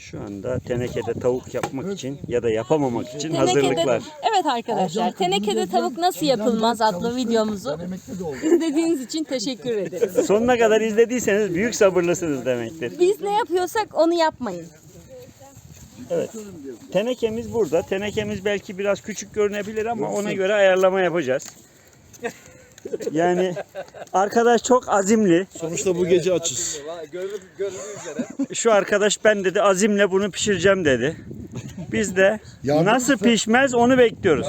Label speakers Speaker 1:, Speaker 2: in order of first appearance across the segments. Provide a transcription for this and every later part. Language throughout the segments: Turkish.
Speaker 1: Şu anda tenekede tavuk yapmak için ya da yapamamak için hazırlıklar.
Speaker 2: Evet arkadaşlar, tenekede tavuk nasıl yapılmaz adlı videomuzu izlediğiniz için teşekkür ederiz.
Speaker 1: Sonuna kadar izlediyseniz büyük sabırlısınız demektir.
Speaker 2: Biz ne yapıyorsak onu yapmayın.
Speaker 1: Evet. Tenekemiz burada. Tenekemiz belki biraz küçük görünebilir ama ona göre ayarlama yapacağız. Yani arkadaş çok azimli.
Speaker 3: Sonuçta bu gece açız.
Speaker 1: Şu arkadaş ben dedi azimle bunu pişireceğim dedi. Biz de nasıl pişmez onu bekliyoruz.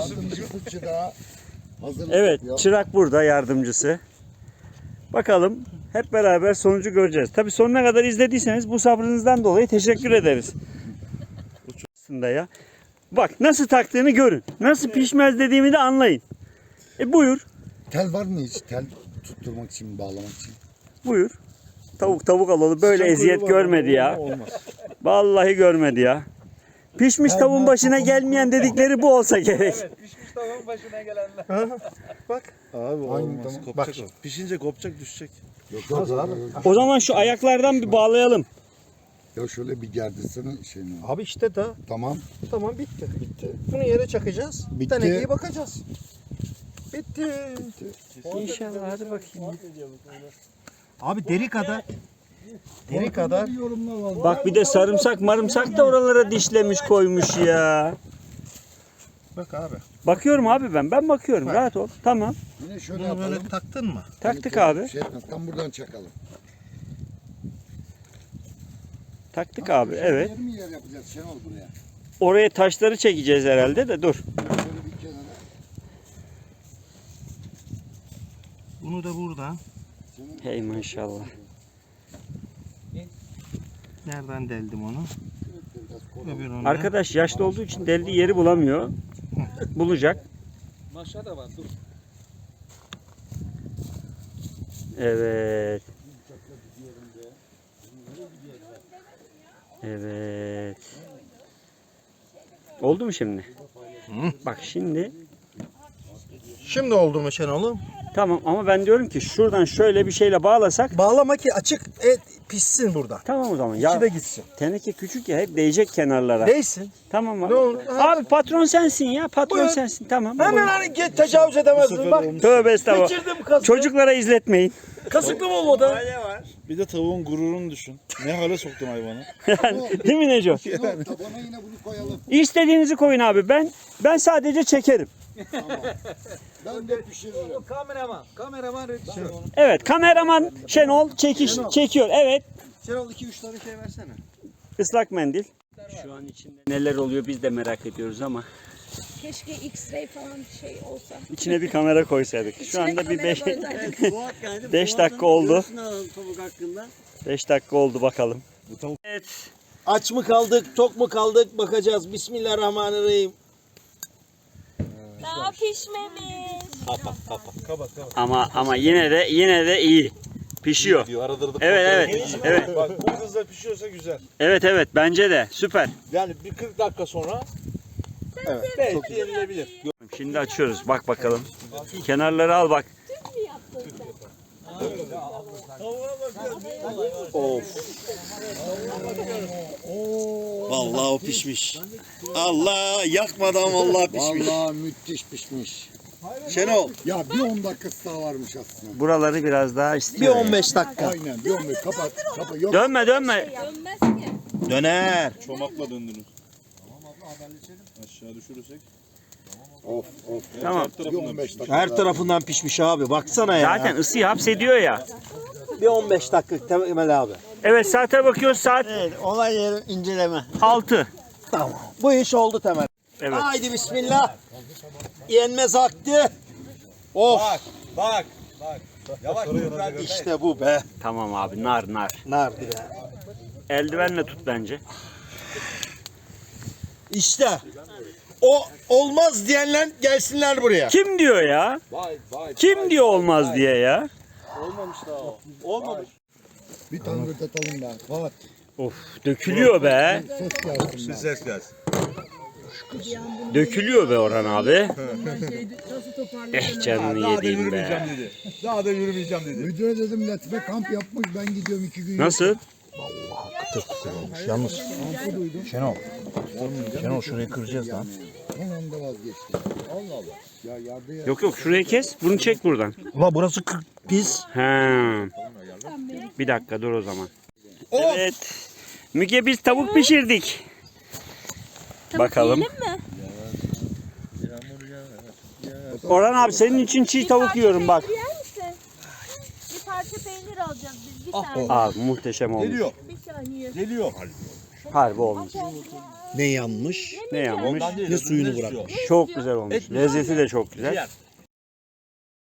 Speaker 1: Evet, çırak burada yardımcısı. Bakalım hep beraber sonucu göreceğiz. Tabii sonuna kadar izlediyseniz bu sabrınızdan dolayı teşekkür ederiz. Aslında ya. Bak nasıl taktığını görün. Nasıl pişmez dediğimi de anlayın. Buyur.
Speaker 4: Tel var mı hiç? Tel tutturmak için, bağlamak için.
Speaker 1: Buyur. Tavuk alalım. Böyle eziyet görmedi ya. Vallahi görmedi ya. Pişmiş tavuğun başına gelmeyen dedikleri bu olsa gerek.
Speaker 5: Evet, pişmiş tavuğun başına gelenler.
Speaker 3: Bak. Abi olmaz.
Speaker 4: Tamam.
Speaker 3: Kopacak. Bak. Pişince kopacak düşecek.
Speaker 4: Yok abi.
Speaker 1: O zaman şu ayaklardan bir bağlayalım.
Speaker 4: Ya şöyle bir gerdirsene şeyini.
Speaker 6: Abi işte da
Speaker 4: Tamam.
Speaker 6: tamam bitti. Bitti. Bunu yere çakacağız.
Speaker 4: Bitti.
Speaker 6: Tenekeye bakacağız. Bitti.
Speaker 1: İnşallah hadi bakayım.
Speaker 6: Abi deri kadar. Deri kadar.
Speaker 1: Bak bir de sarımsak marımsak da oralara dişlemiş koymuş ya.
Speaker 6: Bak abi.
Speaker 1: Bakıyorum abi ben. Ben bakıyorum. Rahat ol. Tamam.
Speaker 4: Yine şöyle
Speaker 6: Bunu
Speaker 4: yapalım.
Speaker 6: böyle taktın mı?
Speaker 1: Taktık abi.
Speaker 4: Şey etmez, tam buradan çakalım.
Speaker 1: Taktık abi. Evet.
Speaker 4: Yer mi yer yapacağız Şenol buraya?
Speaker 1: Oraya taşları çekeceğiz herhalde de dur.
Speaker 4: Şöyle bir kenara.
Speaker 6: Bunu da buradan.
Speaker 1: Hey maşallah.
Speaker 6: Nereden deldim onu? Öbürünü.
Speaker 1: Arkadaş yaşlı olduğu için deldiği yeri bulamıyor. Bulacak.
Speaker 5: Maşa da var, dur.
Speaker 1: Evet. Evet. Oldu mu şimdi? Bak şimdi
Speaker 6: Şimdi oldu mu Şenol'um?
Speaker 1: tamam ama ben diyorum ki şuradan şöyle bir şeyle bağlasak
Speaker 6: Bağlama ki açık pişsin burada.
Speaker 1: tamam o zaman.
Speaker 6: İçi
Speaker 1: Ya
Speaker 6: de gitsin.
Speaker 1: teneke küçük ya hep değecek kenarlara.
Speaker 6: Değsin.
Speaker 1: Tamam abi.
Speaker 6: Ne olur?
Speaker 1: Abi patron sensin ya. Patron
Speaker 6: Buyur.
Speaker 1: sensin. Tamam.
Speaker 6: Hemen hani tecavüz edemezsin. Bak
Speaker 1: Tövbe estağfurullah.
Speaker 6: geçirdim kasığı.
Speaker 1: Çocuklara izletmeyin.
Speaker 6: Kasıklı mı olmadı?
Speaker 3: Bir de tavuğun gururunu düşün. Ne hale soktun hayvanı.
Speaker 1: Değil mi Neco?
Speaker 4: Şenol tabana yine bunu koyalım.
Speaker 1: İstediğinizi koyun abi. Ben sadece çekerim.
Speaker 4: Ben de pişiririm.
Speaker 5: Kameraman Şenol.
Speaker 1: Evet, kameraman Şenol çekiyor. Evet.
Speaker 6: Şenol 2-3 tane şey versene.
Speaker 1: Islak mendil. Şu an içinde neler oluyor biz de merak ediyoruz ama
Speaker 2: Keşke X-ray falan bir şey olsa.
Speaker 1: içine bir kamera koysaydık. Şu anda bir 5
Speaker 2: 5
Speaker 1: 5 dakika oldu. 5 dakika oldu bakalım. Evet.
Speaker 6: Aç mı kaldık, tok mu kaldık bakacağız. Bismillahirrahmanirrahim.
Speaker 2: Daha pişmemiş.
Speaker 1: Ama yine de iyi. Pişiyor.
Speaker 3: Diyor arada da
Speaker 1: Evet.
Speaker 3: Bak bu hızla pişiyorsa güzel.
Speaker 1: Evet bence de süper.
Speaker 3: Yani bir 40 dakika sonra belki yenilebilir.
Speaker 1: Şimdi açıyoruz. Bak bakalım. Kenarları al bak.
Speaker 3: Vallahi o pişmiş. Allah yakmadan vallahi pişmiş.
Speaker 4: Vallahi müthiş pişmiş.
Speaker 3: Şenol.
Speaker 4: Ya bir 10 dakikası daha varmış aslında.
Speaker 1: Buraları biraz daha
Speaker 6: Bir
Speaker 1: istiyor.
Speaker 6: 15 dakika.
Speaker 4: Aynen bir 15 kapat. Yok.
Speaker 1: Dönme.
Speaker 2: Dönmez ki.
Speaker 3: Döner. Çomakla döndünüz. Aşağı düşürürsek.
Speaker 4: Of.
Speaker 1: Tamam.
Speaker 4: Bir 15 dakika.
Speaker 6: Her tarafından pişmiş abi. Baksana ya.
Speaker 1: Zaten ısıyı hapsediyor ya.
Speaker 6: Bir 15 dakika Temel abi.
Speaker 1: Evet saate bakıyoruz saat
Speaker 6: Evet, olay yeri inceleme.
Speaker 1: 6.
Speaker 6: Tamam. Bu iş oldu Temel.
Speaker 1: Evet.
Speaker 6: Haydi bismillah. Yenmez vakti. Of.
Speaker 5: Bak. Yavaş dur ben de.
Speaker 6: İşte bu be.
Speaker 1: Tamam abi nar.
Speaker 6: Nar bir de.
Speaker 1: Eldivenle tut bence.
Speaker 6: İşte. O olmaz diyenler gelsinler buraya.
Speaker 1: Kim diyor ya?
Speaker 5: Vay.
Speaker 1: Kim diyor olmaz diye ya?
Speaker 5: Olmamış daha o. Olmamış.
Speaker 4: Bir tane atalım ben. Fuat.
Speaker 1: Of dökülüyor be.
Speaker 4: Ses gelsin.
Speaker 3: Ses gelsin.
Speaker 1: Dökülüyor be Orhan abi. Canını
Speaker 3: Daha da
Speaker 1: yediğim
Speaker 3: yürümeyeceğim
Speaker 1: be.
Speaker 3: dedi. Daha da yürümeyeceğim dedi.
Speaker 4: Müdüre dedim Latife kamp yapmış ben gidiyorum 2 gün.
Speaker 1: Nasıl?
Speaker 4: Vallahi
Speaker 3: Çok güzel olmuş. Yalnız Şenol. Şenol şurayı kıracağız lan.
Speaker 4: Son anda vazgeçti. Allah Allah. Ya yardı ya.
Speaker 1: Yok şurayı kes. Bunu çek buradan.
Speaker 3: Ulan burası pis.
Speaker 1: He. Bir dakika dur o zaman. Evet. Müge biz tavuk pişirdik. Bakalım.
Speaker 2: Yiyelim mi?
Speaker 1: Orhan abi senin için çiğ tavuk yiyorum bak.
Speaker 2: Yer misin? Bir parça peynir alacağız biz. Bir saniye.
Speaker 1: Abi muhteşem olmuş.
Speaker 5: Geliyor.
Speaker 2: Bir saniye.
Speaker 5: Geliyor.
Speaker 1: Harbi olmuş.
Speaker 6: Ne yanmış?
Speaker 1: Ne yapmış?
Speaker 6: Ne suyunu bırakmış.
Speaker 1: Çok güzel olmuş. Lezzeti de çok güzel.
Speaker 5: Yer.